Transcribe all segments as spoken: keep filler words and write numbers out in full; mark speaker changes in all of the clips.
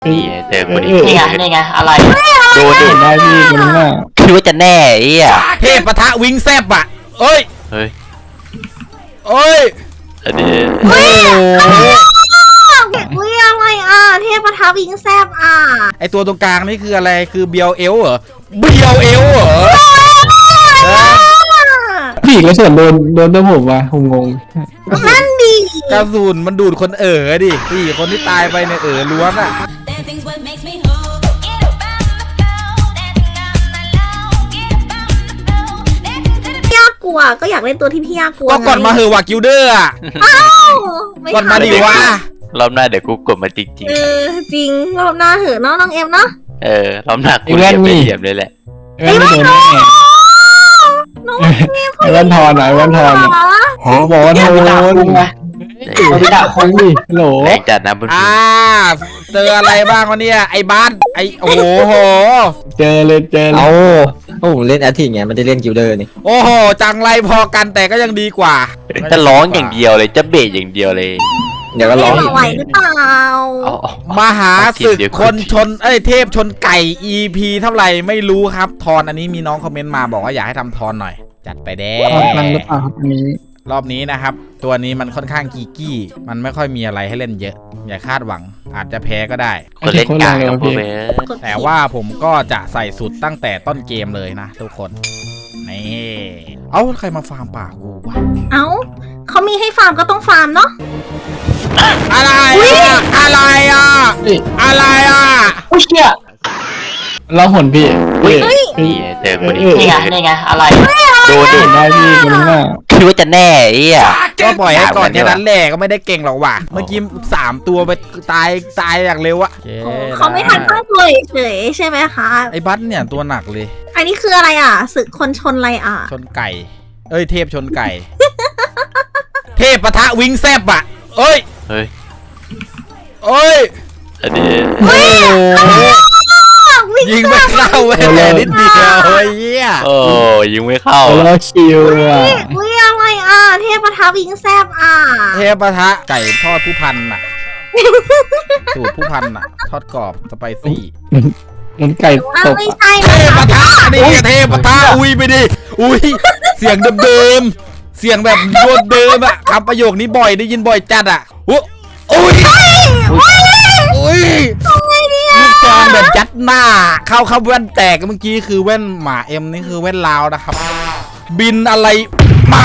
Speaker 1: นี่เจอคนนี้
Speaker 2: นี่ไงนี่ไงอะไร
Speaker 1: ดูดิ
Speaker 3: ได้พี่คนนี้
Speaker 1: คิดว่าจะแน่ไอ้อะ
Speaker 4: เทพปะทะวิงแซบอ่ะเอ้ย
Speaker 1: เฮ้ย
Speaker 4: เอ้ย
Speaker 1: อันนี้
Speaker 4: โอ้โห
Speaker 5: อุ้ยอะไรอ่ะเทพประทับวิงแซบอ่ะ
Speaker 4: ไอตัวตรงกลางนี่คืออะไรคือเบียวเอลเหรอเบียวเอลเหรอ
Speaker 3: พี่กระสุนโดนโดนตัวผมว่ะผมงง
Speaker 5: นั่นดี
Speaker 4: กระสุนมันดูดคนเอ๋อดิพี่คนที่ตายไปเนี่ยเอ๋อล้วนอ่ะ
Speaker 6: Dancing's what makes me whole. Get up on the floor, dancing on my low. Get up on the floor, dancing to the
Speaker 5: พี่ยากกลัวก็อยากเล่นตัวที่พี่ยากกลัว
Speaker 4: ก็ก่อนมาเหอะว่ะกิลเดอร์อ่ะ
Speaker 5: อ้าวไม่
Speaker 4: ก่อนมา
Speaker 5: ทั
Speaker 4: ดิวะ
Speaker 1: รอบหน้าเดี๋ยวกูกดมาจริง
Speaker 5: เออจริงรอบหน้าเหอะเนาะน้องเอ็มเนาะ
Speaker 1: ๆเออรอบหน้ากูเหยียบไม่เหยียบเลยแหละ
Speaker 3: เอ้ยไม่โดนแน่
Speaker 5: น้อง
Speaker 3: ไอ้วันทอนไหนวันทอนอ่ะบอกว่าโดน
Speaker 2: ไม่ด่าคน
Speaker 3: ดิโหล
Speaker 1: แรงจัดนะเพื่อน
Speaker 4: อ่าเจออะไรบ้างวะเนี่ยไอ้บ้านไอ้โอ้โห
Speaker 3: เจอเลยเจอเลย
Speaker 7: เอาโอ้ผมเล่นแอททิงไงมันจะเล่นกิลเดอร์นี่
Speaker 4: โอ้โหจังไรพอกันแต่ก็ยังดีกว่า
Speaker 1: จะร้องอย่างเดียวเลยจะเบะอย่างเดียวเลย
Speaker 7: เดี๋ยวก็ร้อง
Speaker 5: เอ็
Speaker 7: อี
Speaker 5: ม
Speaker 7: ก
Speaker 5: ไหวหรือเปล่า
Speaker 1: เอาเอา
Speaker 4: มหาศึกคนชนเอ้ยเทพชนไก่ อี พี เท่าไหร่ไม่รู้ครับทอนอันนี้มีน้องคอมเมนต์มาบอกว่าอยากให้ทำทอนหน่อย จัดไปแด้
Speaker 3: ทอนตังหรือเปล่าครับอันนี้
Speaker 4: รอบนี้นะครับ ตัวนี้มันค่อนข้างกีกี้มันไม่ค่อยมีอะไรให้เล่นเยอะ อย่าคาดหวังอาจจะแพ้ก็ได้
Speaker 1: คนเล่นกลางกับพวกเว้ย
Speaker 4: แต่ว่าผมก็จะใส่สุดตั้งแต่ต้นเกมเลยนะทุกคนนี่เอ้าใครมาฟาร์มป่ากูวะ
Speaker 5: เอ้าเขามีให้ฟาร์มก็ต้องฟาร์มเนาะ
Speaker 4: อะไรอะอะไรอ่ะอะไรอ่ะ
Speaker 2: ผู้เชี่ย
Speaker 3: เราหนพี่พี่พี่
Speaker 1: นี่เจอคนนี้
Speaker 2: นี่ไงนี่ไงอะไร
Speaker 1: ดูดิ
Speaker 3: ได้พี่คนนี้
Speaker 1: คิดว่าจะแน่ไอ้อะ
Speaker 4: ก็ปล่อยให้ก่อนแค่นั้นแหละก็ไม่ได้เก่งหรอกว่ะเมื่อกี้สามตัวไปตายตายอย่างเร็วอะ
Speaker 5: เขาไม่ทันตั้งตัวเฉยๆใช่ไหมคะ
Speaker 4: ไอ้บัสเนี่ยตัวหนักเลย
Speaker 5: อันนี้คืออะไรอ่ะศึกคนชนอะไรอ่ะ
Speaker 4: ชนไก่ เอ้ยเทพชนไก่ เทพปะทะวิงแซบอะเอ้ย
Speaker 1: เฮ้ย
Speaker 4: เอ้ย
Speaker 1: อันนี้
Speaker 4: โอ้โห
Speaker 5: วิ่ง
Speaker 4: ยิงไม่เข้าเว้ยแต่นิดเดียวเฮ้ยเหี้ย
Speaker 1: โอ้ยิงไม่เข้า
Speaker 3: เราคิวอ่ะ
Speaker 5: อุ้ยอะไรอ่ะเทพประทับวิงแซบอ่ะ
Speaker 4: เทพปะทะไก่ทอดผู้พันน่ะสูตรผู้พันน่ะทอดกรอบสไปซี่
Speaker 3: มันไก่
Speaker 5: อ้าว
Speaker 3: ตก
Speaker 5: ไม่ใช่
Speaker 4: เท
Speaker 5: นะ
Speaker 4: พ
Speaker 5: คะ
Speaker 4: ปะทะนี่เทพปะทะอุ้ยไปดิอุ้ยเสียงเดิมๆเสียงแบบโยนเดิมอะคำประโยคนี้บ่อยได้ยินบ่อยจัดอะอุ้ยอุ้ยอุ้ยลูกซองแบบยัดหน้า เข้าเข้าแว่นแตกเมื่อกี้คือแว่นหมาเอ็มนี่คือแว่นลาวนะครับ บินอะไรมา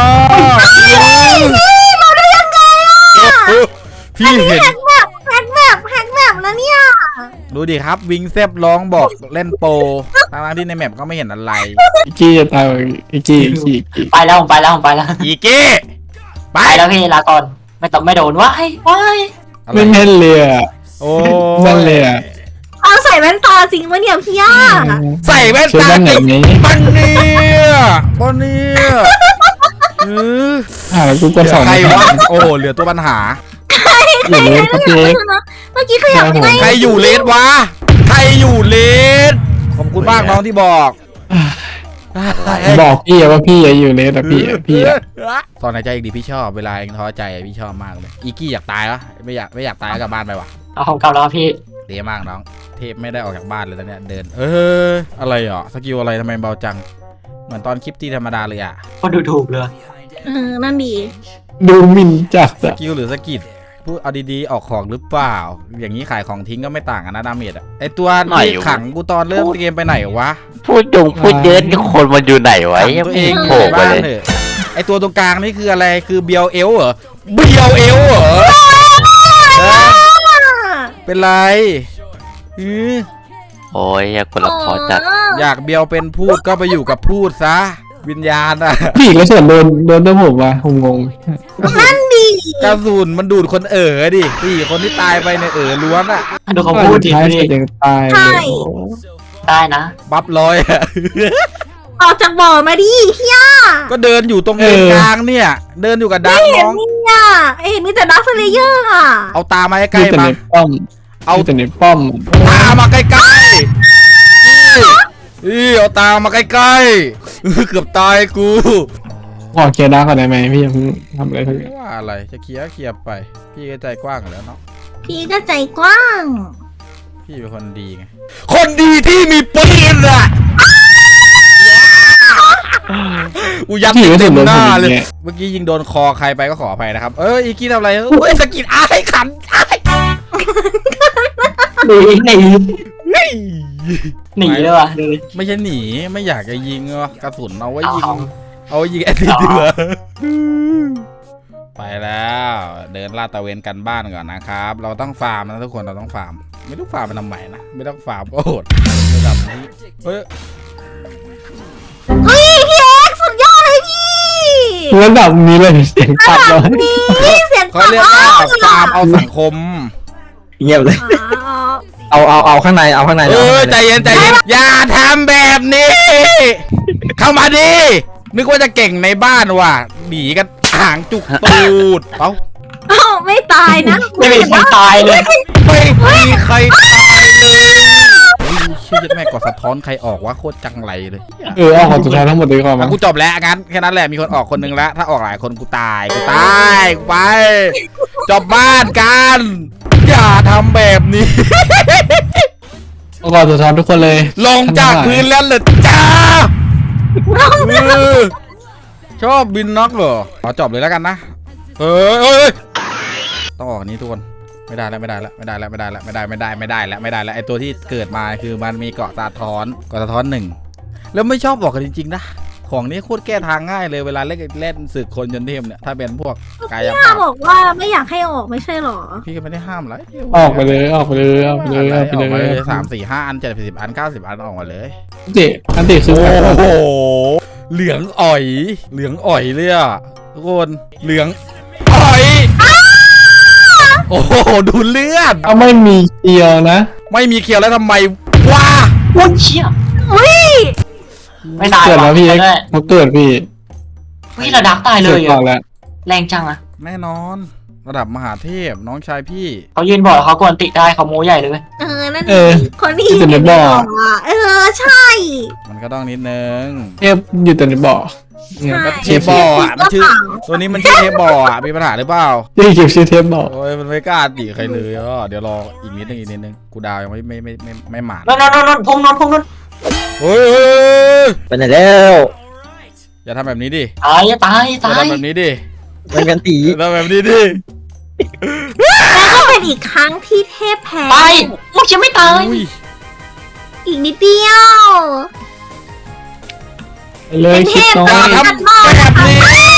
Speaker 4: พี่เห็น
Speaker 5: แฮกแบบแฮกแบบแฮกแบบแล้วเนี่ย
Speaker 4: ดูดิครับวิงแซบร้องบอกเล่นโปรทั้งๆที่ในแมปก็ไม่เห็นอะไร
Speaker 3: อีกกี้จะตายอีกกี้อีกกี้
Speaker 2: ไปแล้วผมไปแล้วผมไปแล้ว
Speaker 4: อีเก้ไป
Speaker 2: ไปแล้วพี่ลาก่อนไม่ต้องไม่โดนว้ายว้าย
Speaker 4: อะไร
Speaker 3: ไม่แม่นเลยอ่ะ
Speaker 4: โอ้
Speaker 3: แม่นเลยอ่ะ
Speaker 5: เอาใส่แว่นตาจริงปะเนี่ยพี่ย่า
Speaker 4: ใส่แว่น
Speaker 3: ชื่อ
Speaker 4: ตา
Speaker 3: บ้านไหน
Speaker 4: ติด
Speaker 3: นี้
Speaker 4: ปันเนี่ยปันเนี่ยเออ
Speaker 3: หากูกดสอง
Speaker 4: ใครวะโอ้เหลือตัวปัญหา
Speaker 3: อยู่เลยครับพี่
Speaker 5: เมื่อกี้ขยับไม่
Speaker 4: ใครอยู่เลสวะใครอยู่เลสขอบคุณมากน้องที่บอก
Speaker 3: บอกพี่ว่าพี่อยู่เลยแต่พี่พี่อ่ะ
Speaker 4: ตอนหายใจอีกดีพี่ชอบเวลาเองท้อใจพี่ชอบมากเลยอีกี้อยากตายวะไม่อยากไม่อยากตายกลับบ้านไปวะ
Speaker 2: เอาผมกลับแล้วพี่
Speaker 4: เดีมากน้องเทพไม่ได้ออกจากบ้านเลยตอนเนี้ยเดิน เอออะไรอ่ะสกิลอะไรทำไมเบาจัง เหมือนตอนคลิปที่ธรรมดาเลยอ่ะ
Speaker 2: ก็ดูถูกเลย
Speaker 5: เออนั่นดี
Speaker 3: ดูหมินจัด
Speaker 4: ส
Speaker 3: อ่ะ
Speaker 4: กิลหรือสกิลพูดเอาดีๆออกของหรือเปล่า อย่างนี้ขายของทิ้งก็ไม่ต่างกันนะดาเมจอ่ะไอตัวที่ขังกูตอนเริ่มเกมไปไหนวะ
Speaker 1: พูดจงพูดเยอะนี่คนมันอยู่ไหนวะ
Speaker 4: ขัง
Speaker 1: ยัง
Speaker 4: ตัว
Speaker 1: ไม่
Speaker 4: เอง
Speaker 1: โผล่
Speaker 4: ใน
Speaker 1: ไป
Speaker 4: บ้าน
Speaker 1: เลย
Speaker 4: เถอะไอตัวตรงกลางนี่คืออะไรคือเบียวเอลเหรอเบียวเอลเหรอเออเป็นไรอือ
Speaker 1: โอ้ยอยากคนละพอจัด
Speaker 4: อยากเบียวเป็นพูดก็ไปอยู่กับพูดซะวิญญาณอะ
Speaker 3: พี่กระสุนโดนโดนตัวผมว่ะผมงง
Speaker 5: นั่นดี
Speaker 4: กระสุนมันดูดคนเอ๋อดิพี่คนที่ตายไปเนี่ยเอ๋อล้วนอะ
Speaker 2: ดูเขาพูดดิ
Speaker 3: ท้าย
Speaker 2: ดิ
Speaker 3: สุดยังตายเลย
Speaker 2: ได้นะ
Speaker 4: บัฟลอยอะ
Speaker 5: ออกจากบ่อมาดิพี่ย่า
Speaker 4: ก็เดินอยู่ตรงเลนกลางเนี่ย เดินอยู่กับดัก
Speaker 5: เห็
Speaker 4: น้
Speaker 5: น
Speaker 4: อง
Speaker 5: นี่อ่ะเห็นมีแต่ดักสเลเยอร์อ่ะ
Speaker 4: เอาตามาใก
Speaker 3: มี
Speaker 4: ล้
Speaker 3: แต่
Speaker 4: ๆมา
Speaker 3: ในป้อม
Speaker 4: เอา
Speaker 3: มีแต่ในป้อม
Speaker 4: ตามาใกล้ๆอีอีเอาตามาใกล้ๆเกือบตายกู
Speaker 3: ขอเคลียร์ดาร์กก่อนได้ไหมพี่ยังทำอะไรทั้งนั้น
Speaker 4: ว่าอะไรจะเคลียร์เคลียร์ไป พี่ก็ใจกว้างอยู่แล้วเนาะ
Speaker 5: พี่ก็ใจกว้าง
Speaker 4: พี่เป็นคนดีไงคนดีที่มีปืนอะกูยัด
Speaker 3: พี่ไม่
Speaker 4: เต็
Speaker 3: ถึ
Speaker 4: ม
Speaker 3: งโดน
Speaker 4: ห
Speaker 3: ผ
Speaker 4: น้าม เลย
Speaker 3: เนี่ย
Speaker 4: เมื่อกี้ยิงโดนคอใครไปก็ขออภัยนะครับ เอออีกี้ทำอะไรเฮ้ยสะกิดอ้ายขันอ้าย
Speaker 2: หนีหนี
Speaker 4: เฮ้ย
Speaker 2: หนีเลยว่ะดูดิ
Speaker 4: ไม่ใช่หนีไม่อยากจะยิงวะกระสุนเอาไว้ยิง
Speaker 2: เอา
Speaker 4: เอาไว้ยิงแอดดิเดือไปแล้วเดินลาดตระเวนกันบ้านก่อนนะครับ เราต้องฟาร์มนะทุกคนเราต้องฟาร์มไม่ต้องฟาร์มเป็นทำไมนะไม่ต้องฟาร์มก็โหดระดับนี้เฮ้ย
Speaker 5: เฮ้ยพี่เอ็กซ์สุดยอดเลยพี่
Speaker 3: ระดับนี้เลยเสียงตัดเลย
Speaker 5: นี่เสียง
Speaker 4: เขาเรียกว่าฟาร์มเอาสังคม
Speaker 7: เงียบเลย
Speaker 5: อ๋อ
Speaker 7: เอาเอาเอาข้างในเอาข้างใน
Speaker 4: เออ
Speaker 7: อา
Speaker 4: ใจ
Speaker 7: ข้างใน
Speaker 4: เย็นใจเย็นอย่าทำแบบนี้ เข้ามาดินึกว่าจะเก่งในบ้านว่ะหนีกันหางจุกตูดเอ้า
Speaker 5: เอ้าไม่ตายนะ
Speaker 2: ไม่มีใครตายเลย
Speaker 4: ไม่มีใครตายเลยเฮ้ยเชื่อแม่กดสะท้อนใครออกวะโคตรจังไรเลย
Speaker 3: เออเอาของสุดท้ายทั้งหมดเลยก่อนมั้
Speaker 4: อ่ะ
Speaker 3: ง
Speaker 4: กูจบแล้วงั้นแค่นั้นแหละมีคนออกคนนึงแล้ว ถ้าออกหลายคนกูตายกูตายกูไป จบบ้านกันอย่าทำแบบนี้
Speaker 3: เอาก่อนสุดท้ายทุกคนเลย
Speaker 4: ลงจากพื้นแล้วเหรอจ้าเออชอบบินน็อกเหรอขอจบเลยแล้วกันนะเฮ้ยเฮ้ยต้องออกนี้ทุกคนไม่ได้แล้วไม่ได้แล้วไม่ได้แล้วไม่ได้แล้วไม่ได้ไม่ได้ไม่ได้แล้วไม่ได้แล้วไอตัวที่เกิดมาคือมันมีเกาะสะท้อนเกาะสะท้อนหนึ่งแล้วไม่ชอบบอกกันจริงๆนะของนี้โคตรแก้ทางง่ายเลยเวลาเล่นเล่นศึกคนจนเทพเนี่ยถ้าเป็นพวกกาย
Speaker 5: พี่
Speaker 4: ภาพ
Speaker 5: บอกว่าไม่อยากให้ออกไม่ใช่หรอ
Speaker 4: พี่ก็ไม่ได้ห้ามอะไร
Speaker 3: ออกไปเลยออกไปเลยออกไปเลยออกไป
Speaker 4: ออกมา
Speaker 3: เล
Speaker 4: เลย ยสามสี่ห้าอันเจ็ดสิบอันเก้าสิบอันออกมาเลย
Speaker 3: เจ๊อันติคือ
Speaker 4: โอ้โหเหลืองอ่อยเหลืองอ่อยเลยอ่ะทุกคนเหลืองอ่อยโอ้โหดูเลือด
Speaker 3: เอาไม่มีเกียวนะ
Speaker 4: ไม่มีเคียวแล้วทำไมวะ
Speaker 2: โอ้ยเชี่ย
Speaker 5: อุ้ย
Speaker 2: ไม่ตาย
Speaker 3: เกิดแล้วพี่เอ็ก
Speaker 2: ได้
Speaker 3: เขาเกิดพี่
Speaker 2: พี่ระดับตายเล
Speaker 3: เกิด
Speaker 2: ย
Speaker 3: ก่อ
Speaker 2: อะ
Speaker 3: นแล้ว
Speaker 2: แรงจังอะ
Speaker 4: แน่นอนระดับมหาเทพน้องชายพี่
Speaker 2: เขายืนบอกแล้วเขากวนติได้เขาโม้ใหญ่เลยเว้ย
Speaker 5: เออนั่น
Speaker 3: เออ
Speaker 5: คนที่
Speaker 3: ที่เป็นในบ่อ
Speaker 5: ะเออใช่
Speaker 4: มันก็ต้องนิดนึง
Speaker 3: เทพอยู่แต่ในบ่อเนี่ย
Speaker 5: ใช่
Speaker 4: เทปบอลอ่ะมันชื่อตัวนี้มันชื่อเทปบอลอ่ะมีปัญหาหรือเปล่า
Speaker 3: ที่เก็บชื่อเทพบ่อ
Speaker 4: โอ้ยมันไม่กล้าตีใครเลยอ่ะเดี๋ยวรออีกนิดนึงอีกนิดนึงกูดาวยังไม่ไม่ไม่ไม่ไม่หมาด
Speaker 2: นนนนนพุ่งนนพุ่งนน
Speaker 4: เฮ้ยเฮ้ย
Speaker 7: ไปไหนแล้ว
Speaker 4: อย่าทำแบบนี้ดิ
Speaker 2: ตายตาย
Speaker 4: อย่า
Speaker 2: ตาย
Speaker 4: ทำแบบนี้ดิ
Speaker 7: มันกันตี
Speaker 4: อย่าทำแบบนี้ดิ
Speaker 5: แล้วก็เป็นอีกครั้งที่เทพแพ้
Speaker 2: ไปลูกจะไม่ตาย
Speaker 4: อุ้ย
Speaker 5: อีกนิดเดียว
Speaker 3: เลยคิดน้อ
Speaker 4: อย่าย ทำแบบนี้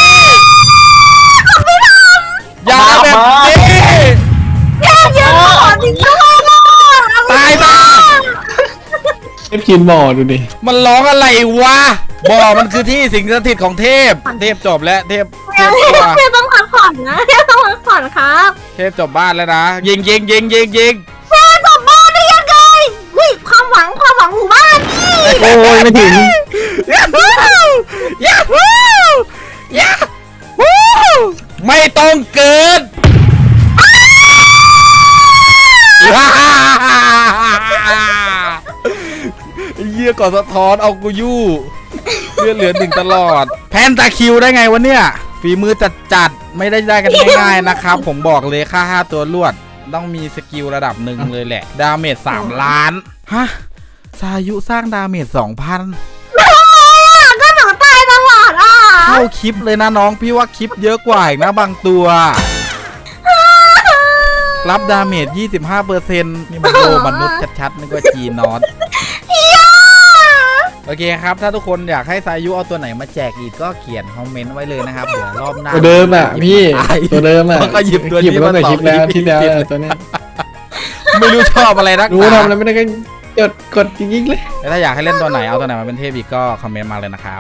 Speaker 4: อย่าทำแบบนี้
Speaker 5: เทพยืนขอจริงด้วยอะ
Speaker 4: ตายมา
Speaker 3: เทพกินบ่อดูดิ
Speaker 4: มันร้องอะไรวะบ่อมันคือที่สิงสถิตของเทพ เทพจบแล้วเทพเทพตัว
Speaker 5: เทพต้องพักผ่อนนะเทพต้องพักผ่อนครับ
Speaker 4: เทพจบบ้านแล้วนะ ยิงยิงยิงยิงยิง
Speaker 5: เทพกลับบ้านได้ยังไงวิความหวังความหวังหมู่บ้านนี่
Speaker 7: โอ้ยไม่ถึง
Speaker 4: ยาฮูยาฮูยาฮูไม่ต้องเกิดเยี่ยก่อนสะท้อนเอากูยู่เลือดเหลือหนึ่งตลอด แพนตาคิวได้ไงวะเนี่ยฝีมือจัดจัดๆไม่ได้ได้กันง่ายๆนะครับ ผมบอกเลยค่าห้าตัวลวด ต้องมีสกิลระดับหนึ่งเลยแหละ ดาเมจสามล้านฮะสายุสร้างดาเมจสองพัน
Speaker 5: ทำไมอ่ะก็หนูตายตลอดอ่ะ
Speaker 4: เข้าคลิปเลยนะน้องพี่ว่าคลิปเยอะกว่าอีกนะบางตัว รับดาเมจ ยี่สิบห้าเปอร์เซ็นต์ นี่มันโลมนุษย์ชัดๆนึกว่าจีนอตโอเคครับ ถ้าทุกคนอยากให้สายุเอาตัวไหนมาแจกอีกก็เขียนคอมเมนต์ไว้เลยนะครับ เดี๋ยวรอบหน้า
Speaker 3: ตัวเดิมอ่ะพี่ตัวเดิมอ่ะ
Speaker 4: ก็หยิบตัว
Speaker 3: หยิบ
Speaker 4: นี้
Speaker 3: ตั้
Speaker 4: มาง
Speaker 3: แต่
Speaker 4: ต่อ
Speaker 3: คลิปแล้ว
Speaker 4: คลิ
Speaker 3: ที่
Speaker 4: ป
Speaker 3: แล้ว
Speaker 4: ผิด
Speaker 3: ตัวเนี้ย
Speaker 4: ไม่รู้ชอบอะไรนัก
Speaker 3: รู้
Speaker 4: หนา
Speaker 3: ทำอะไรไม่ได้ก็กดกดจริงๆเลย
Speaker 4: แล้วถ้าอยากให้เล่นตัวไหนเอาตัวไหนมาเป็นเทพอีกก็คอมเมนต์มาเลยนะครับ